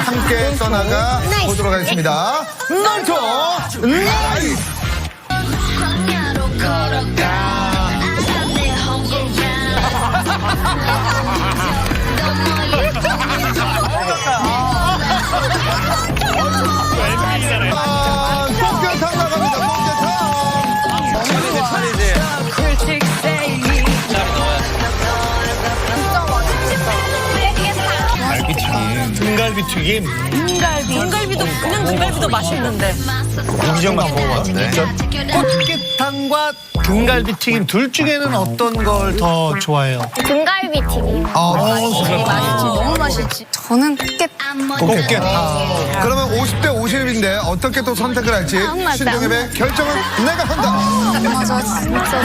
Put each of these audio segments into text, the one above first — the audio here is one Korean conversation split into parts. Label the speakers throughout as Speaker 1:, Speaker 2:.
Speaker 1: 함께 떠나가 보도록 하겠습니다. 널토 나이스! 꽃게탕 나갑니다.
Speaker 2: 등갈비튀김.
Speaker 3: 등갈비도 그냥 등갈비도 맛있는데.
Speaker 2: 이정만 먹어봤는데. 꽃게탕과 등갈비튀김 둘 중에는 어떤 걸 더 좋아해요?
Speaker 4: 등갈비 튀김.
Speaker 3: 너무 맛있지.
Speaker 4: 저는 꽃게탕.
Speaker 2: 꽃게탕.
Speaker 1: 그러면 50대 50인데 어떻게 또 선택을 할지
Speaker 4: 맞다.
Speaker 1: 신동엽의 결정은 내가 한다.
Speaker 4: 맞아, 진짜.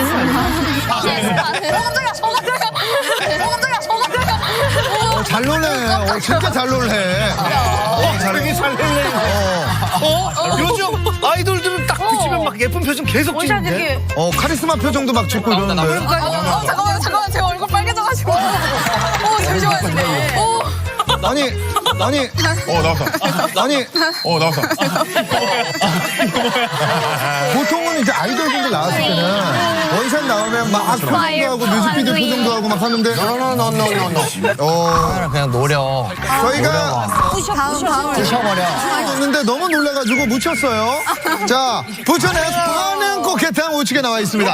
Speaker 1: 잘 놀래. 진짜 잘 놀래.
Speaker 2: 되게 잘 놀래요. 요즘 아이돌들은 딱 비치면 막 예쁜 표정 계속 찍는데.
Speaker 1: 카리스마 표정도 막 짓고 이러는데.
Speaker 3: 잠깐만 제 얼굴 빨개져가지고. 되게 좋아하시네.
Speaker 1: 아니.
Speaker 2: 나왔어.
Speaker 1: 아니.
Speaker 2: 나왔어.
Speaker 1: 보통은 이제 아이돌분들 나왔을 때는 원샷 나오면 막 표정도 하고 뮤직비디오 표정도 하고 막 하는데.
Speaker 5: 그냥 노려.
Speaker 1: 저희가
Speaker 5: 부셔버려.
Speaker 1: 었는데 너무 놀라가지고 묻혔어요. 자, 부천에 파는 꽃게탕 우측에 나와 있습니다.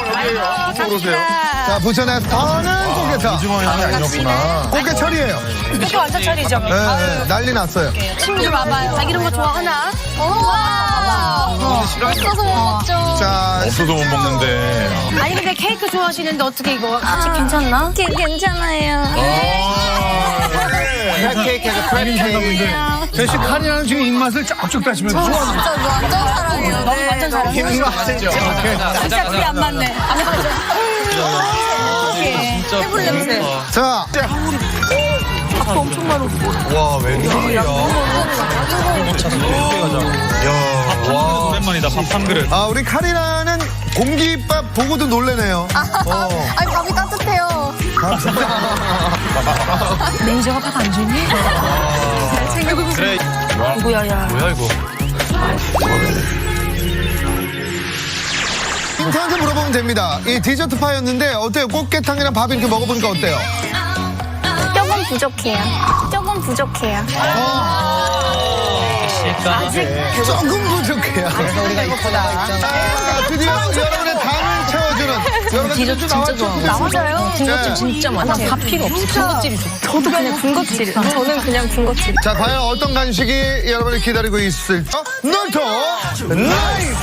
Speaker 1: 자, 부천에 파는 꽃게탕.
Speaker 2: 이주머니 안에 안 넣었구나.
Speaker 1: 꽃게철이에요.
Speaker 3: 이거 완전 차리죠.
Speaker 1: 네, 난리 났어요.
Speaker 3: 친구들 와봐요. 자기 이런 거 좋아하나?
Speaker 4: 없어서 못 먹죠.
Speaker 1: 자,
Speaker 2: 없어도 못 먹는데.
Speaker 3: 아니 근데 케이크 좋아하시는데 어떻게 이거 같이 괜찮나?
Speaker 4: 괜찮아요.
Speaker 5: 케이크에서 크랩 케이크.
Speaker 2: 대신 카리나는 지금 입맛을 쫙쭉 따시면서 좋아하는
Speaker 4: 진짜 완전 사랑해요.
Speaker 3: 너무 완전 잘하네.
Speaker 5: 맞죠?
Speaker 3: 진짜 둘이 안 맞네. 안 맞아. 해물 냄새.
Speaker 1: 자.
Speaker 3: 밥도 엄청 많아.
Speaker 1: 와, 웬일이야.
Speaker 2: 오랜만이다, 밥 한 그릇.
Speaker 1: 우리 카리나는 공깃밥 보고도 놀래네요.
Speaker 4: 아니, 밥이 따뜻해요.
Speaker 3: 매니저가 밥 안 주니?
Speaker 2: 그래.
Speaker 3: 누구야, 야.
Speaker 2: 뭐야, 이거?
Speaker 1: 인트한테 물어보면 됩니다. 이 디저트 파였는데 어때요? 꽃게탕이랑 밥 이렇게 먹어보니까 어때요?
Speaker 4: 조금 부족해요. 조금 부족해요.
Speaker 1: 조금 부족해요.
Speaker 5: 우리가 이쁘다.
Speaker 1: 드디어 여러분의 당을 채워주는 여러분 디저트 진짜 좋아하고.
Speaker 3: 맞아요.
Speaker 1: 군것질
Speaker 3: 진짜 많아. 밥 필요 없어. 군것질이 좋아. 저도 그냥 군것질.
Speaker 4: 저는 그냥 군것질.
Speaker 1: 자, 과연 어떤 간식이 여러분을 기다리고 있을지. 널토 나이스!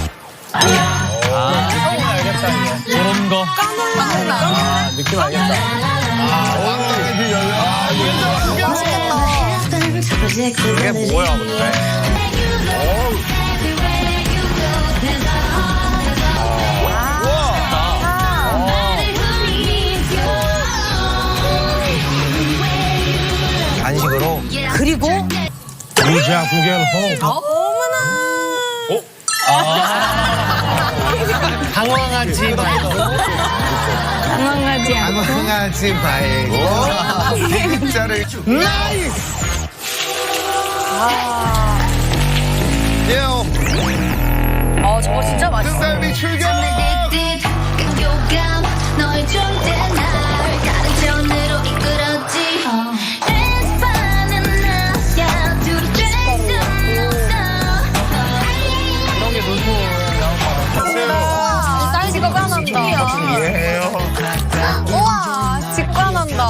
Speaker 2: 저런 거.
Speaker 5: 느낌 알겠다. 이게 뭐야, 근데? 간식으로.
Speaker 3: 그리고
Speaker 2: 부자 구겔 호.
Speaker 5: 당황하지 말고.
Speaker 4: 당황하지 않고.
Speaker 1: 당황하지 말고 진짜를 나이스! 예요.
Speaker 3: 저거 진짜 맛있어.
Speaker 1: 등갈비 출격!
Speaker 4: 직관한다. 우와, 직관한다.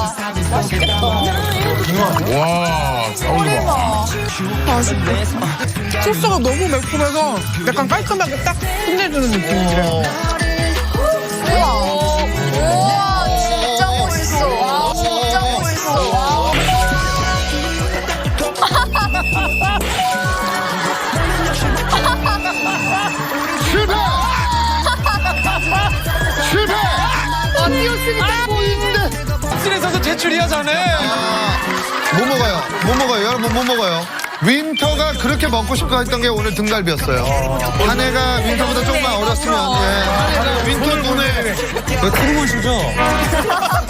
Speaker 2: 와,
Speaker 6: 소스가 너무 매콤해서 약간 깔끔하게 딱 끝내주는 느낌이에요.
Speaker 4: 우와, 진짜 멋있어. 진짜 멋있어.
Speaker 1: 실패! 실패!
Speaker 4: 뛰었으니까 보이는데.
Speaker 6: 씬에서도 제출이야, 자네.
Speaker 1: 못 먹어요. 못 먹어요. 여러분 못 먹어요. 윈터가 그렇게 먹고 싶어 했던 게 오늘 등갈비였어요. 한 해가 윈터보다 조금만 어렸으면 윈터 눈에
Speaker 5: 왜 크고 있으죠?